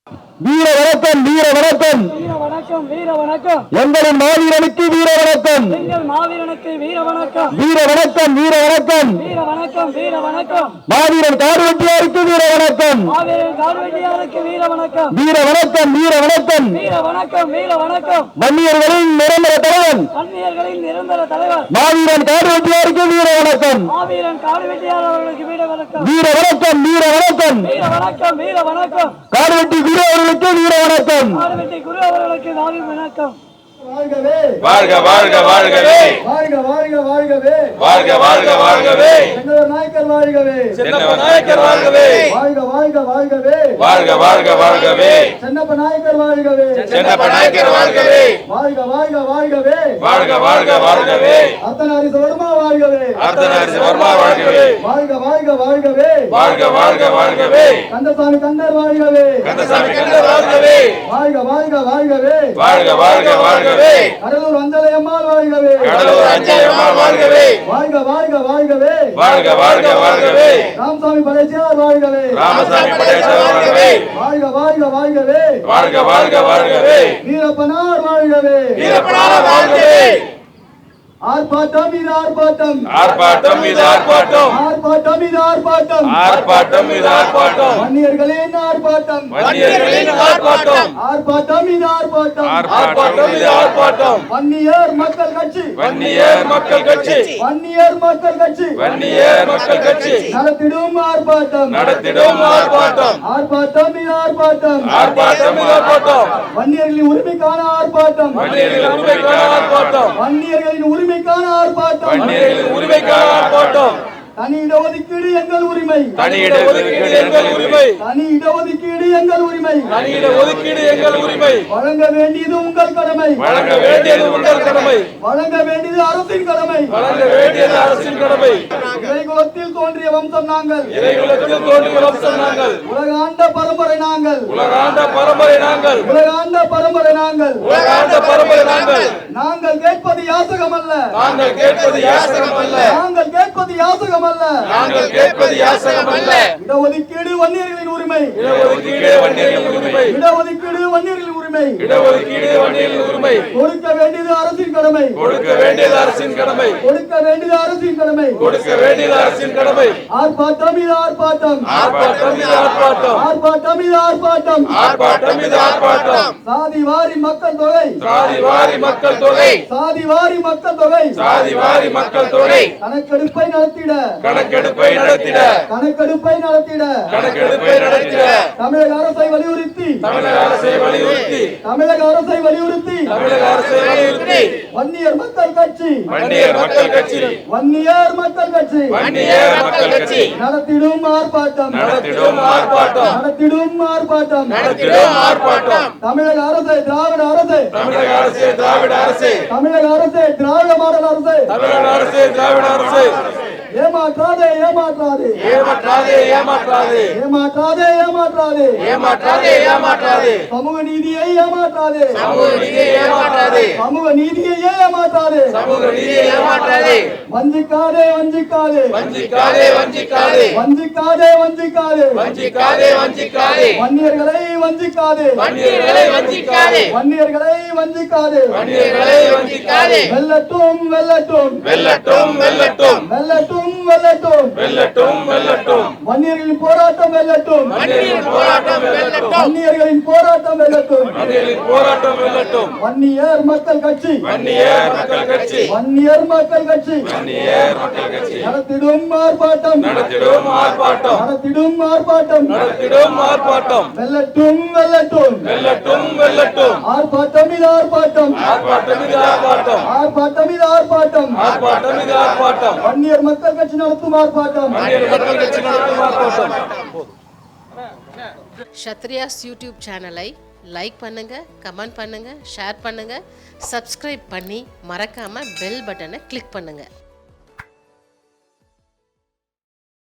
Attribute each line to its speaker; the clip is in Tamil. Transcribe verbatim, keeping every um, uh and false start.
Speaker 1: வீர வணக்கம் வீர வணக்கம்
Speaker 2: வீர வணக்கம் வீர வணக்கம்
Speaker 1: எங்களின் மாவீரனுக்கு வீர வணக்கம்
Speaker 2: எங்கள் மாவீரனுக்கு வீர வணக்கம்
Speaker 1: வீர வணக்கம் வீர வணக்கம்
Speaker 2: வீர வணக்கம் வீர வணக்கம்
Speaker 1: மாவீரன் கார்வெட்டியாருக்கு வீர வணக்கம்
Speaker 2: மாவீரன் கார்வெட்டியாருக்கு வீர வணக்கம்
Speaker 1: வீர வணக்கம் வீர வணக்கம்
Speaker 2: வீர வணக்கம் வீர வணக்கம்
Speaker 1: வன்னியர்களின் நிரந்தர தலைவன்
Speaker 2: வன்னியர்களின் நிரந்தர தலைவர்
Speaker 1: மாவீரன் கார்வெட்டியாருக்கு வீர வணக்கம்
Speaker 2: மாவீரன் கார்வெட்டியார் அவர்களுக்கு வீர வணக்கம்
Speaker 1: வீர வணக்கம் வீர வணக்கம்
Speaker 2: வீர வணக்கம் வீர வணக்கம்
Speaker 1: கார்வெட்டி குரு அவர்களுக்கு வீர வணக்கம்
Speaker 2: கார்வெட்டி குரு அவர்களுக்கு நாவி வணக்கம்
Speaker 3: வாழ்கவே
Speaker 4: வாழ்க வாழ்க வாழ்கவே
Speaker 3: வாழ்க வாழ்க வாழ்கவே
Speaker 4: வாழ்க வாழ்க வாழ்கவே
Speaker 3: சென்னவர் நாயக்கர் வாழ்கவே
Speaker 4: சென்னப்ப நாயக்கர் வாழ்கவே
Speaker 3: வாழ்க வாழ்க வாழ்கவே
Speaker 4: வாழ்க வாழ்க வாழ்கவே
Speaker 3: சென்னப்ப நாயக்கர் வாழ்கவே
Speaker 4: சென்னப்ப நாயக்கர் வாழ்கவே
Speaker 3: வாழ்க வாழ்க வாழ்கவே
Speaker 4: வாழ்க வாழ்க வாழ்கவே
Speaker 3: அர்த்தநாரீச வர்மா வாழ்கவே
Speaker 4: அர்த்தநாரீச வர்மா வாழ்கவே
Speaker 3: வாழ்க வாழ்க வாழ்கவே
Speaker 4: வாழ்க வாழ்க வாழ்கவே
Speaker 3: கந்தசாமி கந்தர் வாழ்கவே
Speaker 4: கந்தசாமி கந்தர் வாழ்கவே
Speaker 3: வாழ்க வாழ்க வாழ்கவே
Speaker 4: வாழ்க வாழ்க வாழ்கவே
Speaker 3: கடலூர் அஞ்சலை அம்மாள் வாழ்கவே
Speaker 4: கடலூர் அஞ்சலை அம்மாள் வாழ்கவே
Speaker 3: வாழ்க வாழ்க வாழ்கவே
Speaker 4: வாழ்க வாழ்க வாழ்கவே
Speaker 3: ராமசாமி படைச்சியார் வாழ்கவே
Speaker 4: ராமசாமி படேசர் வாழ்கவே
Speaker 3: வாழ்க வாழ்க வாழ்கவே
Speaker 4: வாழ்க வாழ்க வாழ்கவே
Speaker 3: வீரப்பனார் வாழ்கவே
Speaker 4: வீரப்பனார் வாழ்கவே
Speaker 3: ஆர்ப்பாட்டம் இது ஆர்ப்பாட்டம்
Speaker 4: ஆர்ப்பாட்டம் இது ஆர்ப்பாட்டம்
Speaker 3: ஆர்ப்பாட்டம் இது ஆர்ப்பாட்டம்
Speaker 4: ஆர்ப்பாட்டம் இது ஆர்ப்பாட்டம்
Speaker 3: வன்னியர்களின் ஆர்ப்பாட்டம்
Speaker 4: வன்னியர்களின் ஆர்ப்பாட்டம்
Speaker 3: ஆர்ப்பாட்டம் இது ஆர்ப்பாட்டம்
Speaker 4: ஆர்ப்பாட்டம் இது ஆர்ப்பாட்டம்
Speaker 3: வன்னியர் மக்கள் கட்சி
Speaker 4: வன்னியர் மக்கள் கட்சி
Speaker 3: வன்னியர் மக்கள் கட்சி
Speaker 4: வன்னியர் மக்கள் கட்சி
Speaker 3: நடத்திடும் ஆர்ப்பாட்டம்
Speaker 4: நடத்திடும் ஆர்ப்பாட்டம்
Speaker 3: ஆர்ப்பாட்டம் இது ஆர்ப்பாட்டம்
Speaker 4: ஆர்ப்பாட்டம் இது ஆர்ப்பாட்டம்
Speaker 3: வன்னியர்களின் உரிமைக்கான ஆர்ப்பாட்டம்
Speaker 4: வன்னியர்களின் உரிமைக்கான ஆர்ப்பாட்டம்
Speaker 3: வன்னியர்களின் உரிமைக்கான ஆர்ப்பாட்டம்
Speaker 4: வன்னியர்களின் உரிமைக்கான ஆர்ப்பாட்டம்
Speaker 3: தனி இடஒதுக்கீடு எங்கள் உரிமை
Speaker 4: தனி இட ஒதுக்கீடு எங்கள் உரிமை
Speaker 3: தனி இடஒதுக்கீடு எங்கள் உரிமை
Speaker 4: தனி இட ஒதுக்கீடு எங்கள் உரிமை
Speaker 3: வழங்க வேண்டியது உங்கள் கடமை
Speaker 4: வழங்க வேண்டியது உங்கள் கடமை
Speaker 3: வழங்க வேண்டியது அரசின் கடமை
Speaker 4: வழங்க வேண்டியது அரசின் கடமை
Speaker 3: இறைகுலத்தில் தோன்றிய வம்சம் நாங்கள்
Speaker 4: இறைகுலத்தில் தோன்றிய வம்சம் நாங்கள்
Speaker 3: உலகாண்ட பரம்பரை நாங்கள்
Speaker 4: உலகாண்ட பரம்பரை நாங்கள்
Speaker 3: உலகாண்ட பரம்பரை நாங்கள்
Speaker 4: உலகாண்ட பரம்பரை நாங்கள்
Speaker 3: நாங்கள் கேட்பது யாசகம் அல்ல
Speaker 4: நாங்கள் கேட்பது யாசகம் அல்ல
Speaker 3: நாங்கள் கேட்பது யாசகம் அல்ல
Speaker 4: நாங்கள் கேட்பது யாசகம் அல்ல
Speaker 3: இடஒதுக்கீடு வன்னியர்களின் உரிமை
Speaker 4: இடஒதுக்கீடு வன்னியர்களின் உரிமை
Speaker 3: இடஒதுக்கீடு வன்னியர்களின் உரிமை
Speaker 4: இடஒதுக்கீடு வன்னியர்களின் உரிமை
Speaker 3: கொடுக்க வேண்டியது அரசின் கடமை
Speaker 4: கொடுக்க வேண்டியது அரசின் கடமை
Speaker 3: கொடுக்க வேண்டியது அரசின் கடமை
Speaker 4: கொடுக்க வேண்டியது அரசின் கடமை
Speaker 3: ஆர்ப்பாட்டம் இது ஆர்ப்பாட்டம்
Speaker 4: ஆர்ப்பாட்டம் இது ஆர்ப்பாட்டம்
Speaker 3: ஆர்ப்பாட்டம் இது ஆர்ப்பாட்டம்
Speaker 4: ஆர்ப்பாட்டம் இது ஆர்ப்பாட்டம்
Speaker 3: சாதி வாரி மக்கள் தொகை
Speaker 4: சாதி வாரி மக்கள் தொகை
Speaker 3: சாதி வாரி மக்கள் தொகை
Speaker 4: சாதி வாரி மக்கள் தொகை
Speaker 3: கணக்கெடுப்பை நடத்திட
Speaker 4: கணக்கெடுப்பை நடத்திட
Speaker 3: கணக்கெடுப்பை நடத்திட
Speaker 4: கணக்கெடுப்பை நடத்திட
Speaker 3: தமிழக அரசை வலியுறுத்தி
Speaker 4: தமிழக அரசை வலியுறுத்தி
Speaker 3: தமிழக அரசை வலியுறுத்தி
Speaker 4: தமிழக அரசை வலியுறுத்தி
Speaker 3: வன்னியர் மக்கள் கட்சி
Speaker 4: வன்னியர் மக்கள் கட்சி
Speaker 3: வன்னியர் மக்கள் கட்சி
Speaker 4: வன்னியர் மக்கள் கட்சி
Speaker 3: நடத்திடும் ஆர்ப்பாட்டம்
Speaker 4: நடத்திடும் ஆர்ப்பாட்டம்
Speaker 3: நடத்திடும் ஆர்ப்பாட்டம்
Speaker 4: நடத்திடும் ஆர்ப்பாட்டம்
Speaker 3: தமிழக அரசு திராவிட அரசு
Speaker 4: தமிழக அரசு திராவிட அரசு
Speaker 3: தமிழக அரசு திராவிட மாடல் அரசு
Speaker 4: தமிழக அரசு திராவிட அரசு
Speaker 3: ஏமாற்றாதே ஏமாற்றாதே
Speaker 4: ஏமாற்றாதே ஏமாற்றாதே
Speaker 3: ஏமாற்றாதே ஏமாற்றாதே
Speaker 4: ஏமாற்றாதே ஏமாற்றாதே
Speaker 3: சமூக நீதியை ஏமாற்றாதே
Speaker 4: சமூக நீதியை ஏமாற்றாதே
Speaker 3: சமூக நீதியை ஏமாற்றாதே
Speaker 4: சமூக நீதியை ஏமாற்றாதே
Speaker 3: வஞ்சிக்காதே வஞ்சிக்காதே
Speaker 4: வஞ்சிக்காதே வஞ்சிக்காதே
Speaker 3: வஞ்சிக்காதே வஞ்சிக்காதே
Speaker 4: வஞ்சிக்காதே வஞ்சிக்காதே
Speaker 3: வன்னியர்களை வஞ்சிக்காதே
Speaker 4: வன்னியர்களை வஞ்சிக்காதே
Speaker 3: வன்னியர்களை வஞ்சிக்காதே
Speaker 4: வன்னியர்களை வஞ்சிக்காதே
Speaker 3: வெல்லட்டும் வெல்லட்டும்
Speaker 4: வெல்லட்டும் வெல்லட்டும்
Speaker 3: வெல்லட்டும் வெல்லட்டும்
Speaker 4: வெல்லட்டும் வெல்லட்டும்
Speaker 3: வன்னியர்களின் போராட்டம் வெல்லட்டும்
Speaker 4: வன்னியர்களின் போராட்டம் வெல்லட்டும்
Speaker 3: வன்னியர்களின் போராட்டம் வெல்லட்டும்
Speaker 4: வன்னியர்களின் போராட்டம் வெல்லட்டும்
Speaker 3: வன்னியர் மக்கள் கட்சி
Speaker 4: வன்னியர் மக்கள் கட்சி
Speaker 3: வன்னியர் மக்கள் கட்சி
Speaker 4: வன்னியர் மக்கள் கட்சி
Speaker 3: நடத்திடும் ஆர்ப்பாட்டம்
Speaker 4: நடத்திடும் ஆர்ப்பாட்டம்
Speaker 3: நடத்திடும் ஆர்ப்பாட்டம்
Speaker 4: நடத்திடும் ஆர்ப்பாட்டம்
Speaker 3: வெல்லட்டும் வெல்லட்டும்
Speaker 4: வெல்லட்டும் வெல்லட்டும்
Speaker 3: ஆர்ப்பாட்டம் இது ஆர்ப்பாட்டம்
Speaker 4: ஆர்ப்பாட்டம் இது ஆர்ப்பாட்டம்
Speaker 3: ஆர்ப்பாட்டம் இது ஆர்ப்பாட்டம்
Speaker 4: ஆர்ப்பாட்டம் இது ஆர்ப்பாட்டம்
Speaker 3: வன்னியர் மக்கள் கட்சி நடத்தும் ஆர்ப்பாட்டம்
Speaker 4: வன்னியர் மக்கள் கட்சி நடத்தும் ஆர்ப்பாட்டம்.
Speaker 5: ஷத்ரியாஸ் யூடியூப் சேனலை லைக் பண்ணுங்க, கமெண்ட் பண்ணுங்க, ஷேர் பண்ணுங்க, சப்ஸ்கிரைப் பண்ணி மறக்காம பெல் பட்டனை கிளிக் பண்ணுங்க.